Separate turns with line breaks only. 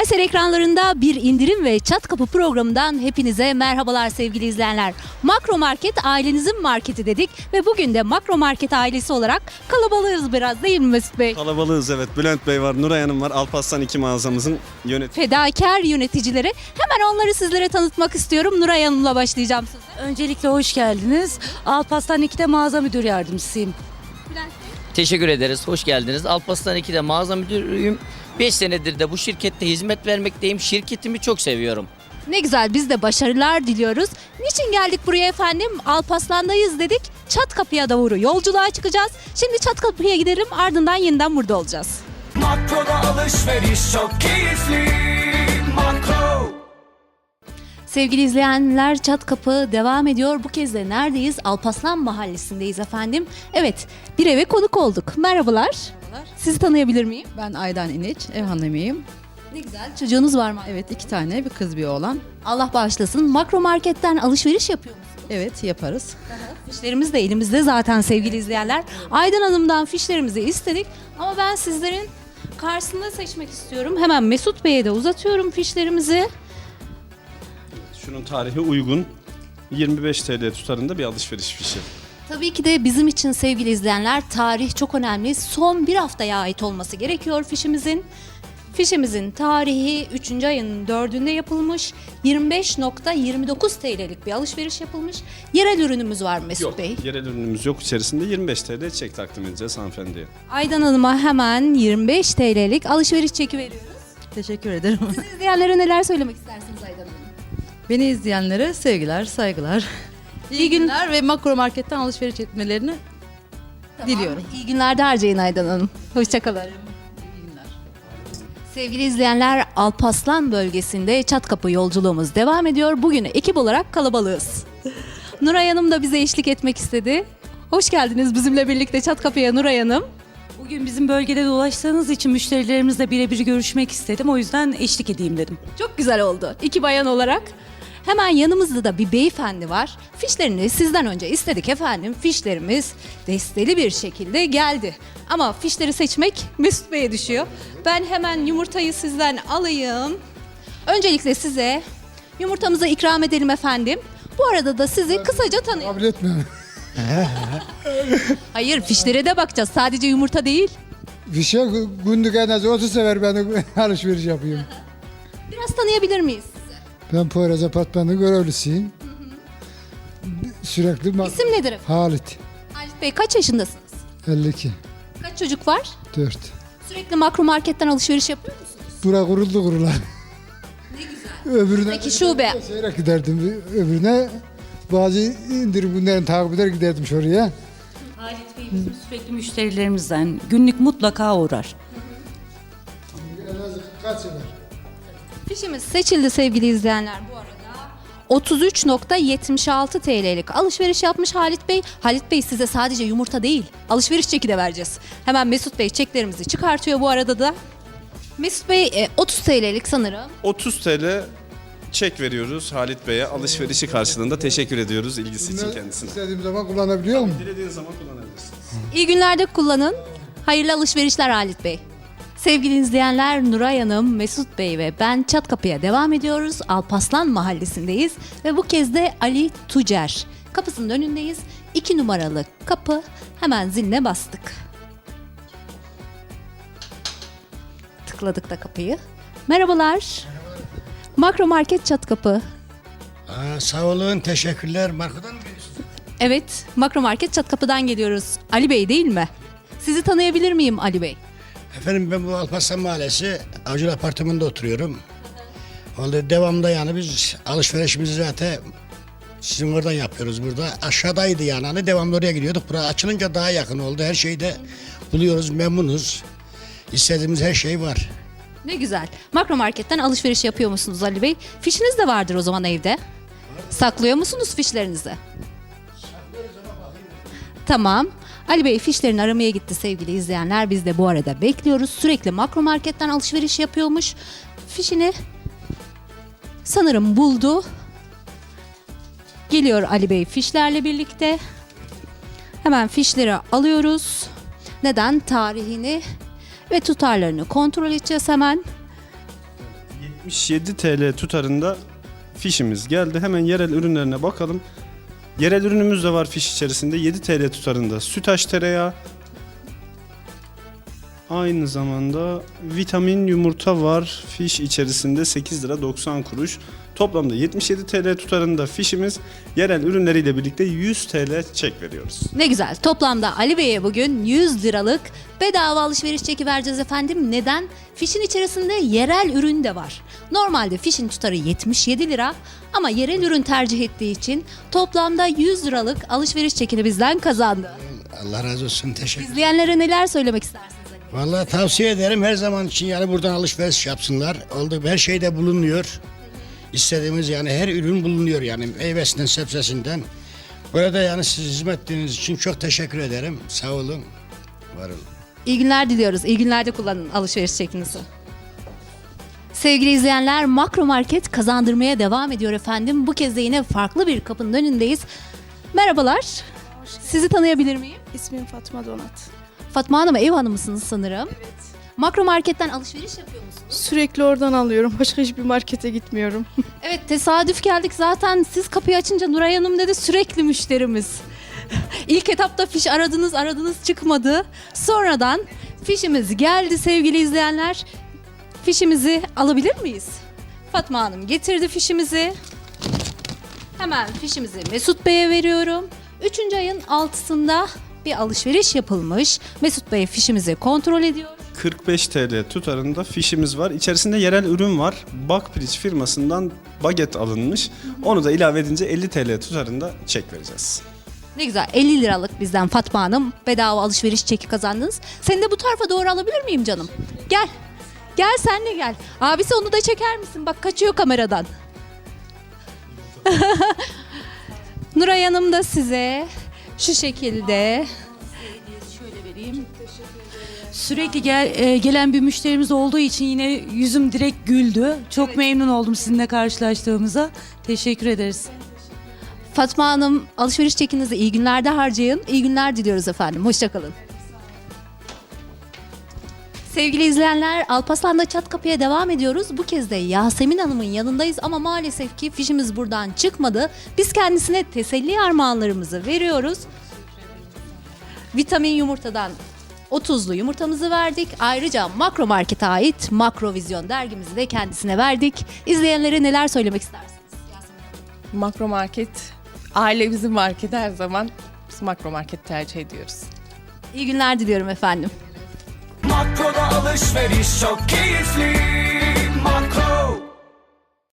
Eser ekranlarında bir indirim ve çat kapı programından hepinize merhabalar sevgili izleyenler. Makro Market ailenizin marketi dedik ve bugün de Makro Market ailesi olarak kalabalığız biraz değil mi Mesut Bey?
Kalabalığız evet. Bülent Bey var, Nuray Hanım var. Alparslan 2 mağazamızın yönetimi.
Fedakar yöneticileri. Hemen onları sizlere tanıtmak istiyorum. Nuray Hanım'la başlayacağım size.
Öncelikle hoş geldiniz. Alparslan 2'de mağaza müdür yardımcısıyım.
Teşekkür ederiz. Hoş geldiniz. Alparslan 2'de mağaza müdürüyüm. 5 senedir de bu şirkette hizmet vermekteyim. Şirketimi çok seviyorum.
Ne güzel, biz de başarılar diliyoruz. Niçin geldik buraya efendim? Alparslan'dayız dedik. Çat kapıya doğru yolculuğa çıkacağız. Şimdi çat kapıya gidelim, ardından yeniden burada olacağız.
Makroda alışveriş çok keyifli. Makro.
Sevgili izleyenler, çat kapı devam ediyor. Bu kez de neredeyiz? Alparslan Mahallesi'ndeyiz efendim. Evet, bir eve konuk olduk. Merhabalar. Sizi tanıyabilir miyim?
Ben Aydan İniç, ev hanımıyım.
Ne güzel. Çocuğunuz var mı?
Evet, 2 tane, bir kız bir oğlan.
Allah bağışlasın. Makro Market'ten alışveriş yapıyor musunuz?
Evet, yaparız.
Fişlerimiz de elimizde zaten sevgili izleyenler. Aydan Hanım'dan fişlerimizi istedik. Ama ben sizlerin karşısında seçmek istiyorum. Hemen Mesut Bey'e de uzatıyorum fişlerimizi.
Şunun tarihi uygun. 25 TL tutarında bir alışveriş fişi.
Tabii ki de bizim için sevgili izleyenler tarih çok önemli. Son bir haftaya ait olması gerekiyor fişimizin. Fişimizin tarihi 3. ayın 4'ünde yapılmış. 25.29 TL'lik bir alışveriş yapılmış. Yerel ürünümüz var Mesut
Yok,
Bey.
yerel ürünümüz yok. İçerisinde 25 TL çek takdim edeceğiz hanımefendiye.
Aydan Hanım'a hemen 25 TL'lik alışveriş çeki veriyoruz.
Teşekkür ederim.
Siz izleyenlere neler söylemek istersiniz Aydan Hanım?
Beni izleyenlere sevgiler, saygılar. İyi günler ve Makro Market'ten alışveriş etmelerini diliyorum.
İyi günler de harcayın Aydan Hanım. Hoşçakalın. Sevgili izleyenler, Alparslan bölgesinde Çatkapı yolculuğumuz devam ediyor. Bugün ekip olarak kalabalığız. Nuray Hanım da bize eşlik etmek istedi. Hoş geldiniz bizimle birlikte Çatkapı'ya Nuray Hanım.
Bugün bizim bölgede dolaştığınız için müşterilerimizle birebir görüşmek istedim. O yüzden eşlik edeyim dedim.
Çok güzel oldu. İki bayan olarak. Hemen yanımızda da bir beyefendi var. Fişlerini sizden önce istedik efendim. Fişlerimiz desteli bir şekilde geldi. Ama fişleri seçmek Mesut Bey'e düşüyor. Ben hemen yumurtayı sizden alayım. Öncelikle size yumurtamızı ikram edelim efendim. Bu arada da sizi kısaca tanıyalım.
Kabul etme.
Hayır, fişlere de bakacağız. Sadece yumurta değil.
Bir şey günlük en az 30 sefer ben alışveriş yapıyorum.
Biraz tanıyabilir miyiz?
Ben Poyraz Apartmanı'nın görevlisiyim. Sürekli
İsim nedir efendim?
Halit.
Halit Bey kaç yaşındasınız?
52.
Kaç çocuk var?
4.
Sürekli Makro Market'ten alışveriş yapıyor musunuz?
Bura kuruldu kurulan. Ne güzel. Öbürüne
Peki şube.
seyrek giderdim. Öbürüne bazı indirim günlerini takip eder giderdim şuraya.
Halit Bey bizim sürekli müşterilerimizden günlük mutlaka uğrar.
En az kaç sefer?
Fişimiz seçildi sevgili izleyenler bu arada. 33.76 TL'lik alışveriş yapmış Halit Bey. Halit Bey size sadece yumurta değil, alışveriş çeki de vereceğiz. Hemen Mesut Bey çeklerimizi çıkartıyor bu arada da. Mesut Bey 30 TL'lik sanırım.
30 TL çek veriyoruz Halit Bey'e. Alışverişi karşılığında teşekkür ediyoruz ilgisi için kendisine.
İstediğim zaman kullanabiliyor muyum?
Dilediğiniz zaman kullanabilirsiniz.
İyi günlerde kullanın. Hayırlı alışverişler Halit Bey. Sevgili izleyenler, Nuray Hanım, Mesut Bey ve ben Çatkapı'ya devam ediyoruz. Alparslan Mahallesi'ndeyiz ve bu kez de Ali Tucer kapısının önündeyiz. 2 numaralı kapı, hemen ziline bastık. Tıkladık da kapıyı. Merhabalar. Makro Market Çatkapı.
Sağ olun, teşekkürler. Markadan mı geliyorsunuz?
Evet, Makro Market Çatkapı'dan geliyoruz. Ali Bey değil mi? Sizi tanıyabilir miyim Ali Bey?
Efendim ben bu Alparslan Mahallesi Avcılar Apartmanı'nda oturuyorum. Vallahi devamlı yani biz alışverişimizi zaten sizin oradan yapıyoruz burada. Aşağıdaydı yani hani devamlı oraya gidiyorduk. Burası açılınca daha yakın oldu. Her şeyi de buluyoruz, memnunuz. İstediğimiz her şey var.
Ne güzel. Makro Market'ten alışveriş yapıyor musunuz Ali Bey? Fişiniz de vardır o zaman evde. Saklıyor musunuz fişlerinizi? Tamam. Ali Bey fişlerini aramaya gitti sevgili izleyenler. Biz de bu arada bekliyoruz. Sürekli Makro Market'ten alışveriş yapıyormuş. Fişini sanırım buldu. Geliyor Ali Bey fişlerle birlikte. Hemen fişleri alıyoruz. Neden? Tarihini ve tutarlarını kontrol edeceğiz hemen.
77 TL tutarında fişimiz geldi. Hemen yerel ürünlerine bakalım. Yerel ürünümüz de var fiş içerisinde. 7 TL tutarında sütaş tereyağı. Aynı zamanda vitamin yumurta var fiş içerisinde 8 lira 90 kuruş. Toplamda 77 TL tutarında fişimiz, yerel ürünleriyle birlikte 100 TL çek veriyoruz.
Ne güzel. Toplamda Ali Bey'e bugün 100 liralık bedava alışveriş çeki vereceğiz efendim. Neden? Fişin içerisinde yerel ürün de var. Normalde fişin tutarı 77 lira ama yerel ürün tercih ettiği için toplamda 100 liralık alışveriş çekini bizden kazandı.
Allah razı olsun. Teşekkür.
İzleyenlere neler söylemek istersiniz Ali Bey?
Vallahi tavsiye ederim her zaman için yani buradan alışveriş yapsınlar. Oldu her şeyde bulunuyor. İstediğimiz yani her ürün bulunuyor yani meyvesinden sebzesinden. Burada yani siz hizmet ettiğiniz için çok teşekkür ederim. Sağ olun. Var olun.
İyi günler diliyoruz. İyi günlerde kullanın alışveriş çekinizi. Sevgili izleyenler, Makro Market kazandırmaya devam ediyor efendim. Bu kez de yine farklı bir kapının önündeyiz. Merhabalar. Sizi tanıyabilir miyim?
İsmim Fatma Donat.
Fatma Hanım, ev hanımısınız sanırım. Evet. Makro Market'ten alışveriş yapıyor musunuz?
Sürekli oradan alıyorum. Başka hiçbir markete gitmiyorum.
Evet, tesadüf geldik. Zaten siz kapıyı açınca Nuray Hanım dedi, sürekli müşterimiz. İlk etapta fiş aradınız çıkmadı. Sonradan fişimiz geldi sevgili izleyenler. Fişimizi alabilir miyiz? Fatma Hanım getirdi fişimizi. Hemen fişimizi Mesut Bey'e veriyorum. 3. ayın 6'sında bir alışveriş yapılmış. Mesut Bey fişimizi kontrol ediyor.
45 TL tutarında fişimiz var. İçerisinde yerel ürün var. Bakpiliç firmasından baget alınmış. Onu da ilave edince 50 TL tutarında çek vereceğiz.
Ne güzel, 50 liralık bizden Fatma Hanım bedava alışveriş çeki kazandınız. Seni de bu tarafa doğru alabilir miyim canım? Gel. Gel sen de gel. Abisi onu da çeker misin? Bak kaçıyor kameradan. Nuray Hanım da size şu şekilde.
Sürekli gelen bir müşterimiz olduğu için yine yüzüm direkt güldü. Çok memnun oldum sizinle karşılaştığımıza. Teşekkür ederiz.
Fatma Hanım, alışveriş çekinizi iyi günlerde harcayın. İyi günler diliyoruz efendim. Hoşçakalın. Sevgili izleyenler, Alparslan'da Çat Kapı'ya devam ediyoruz. Bu kez de Yasemin Hanım'ın yanındayız ama maalesef ki fişimiz buradan çıkmadı. Biz kendisine teselli armağanlarımızı veriyoruz. Vitamin yumurtadan 30'lu yumurtamızı verdik. Ayrıca Makro Market'e ait Makrovizyon dergimizi de kendisine verdik. İzleyenlere neler söylemek istersiniz?
Makro Market, ailemizin marketi her zaman. Biz Makro Market tercih ediyoruz.
İyi günler diliyorum efendim.
Makroda alışveriş çok keyifli.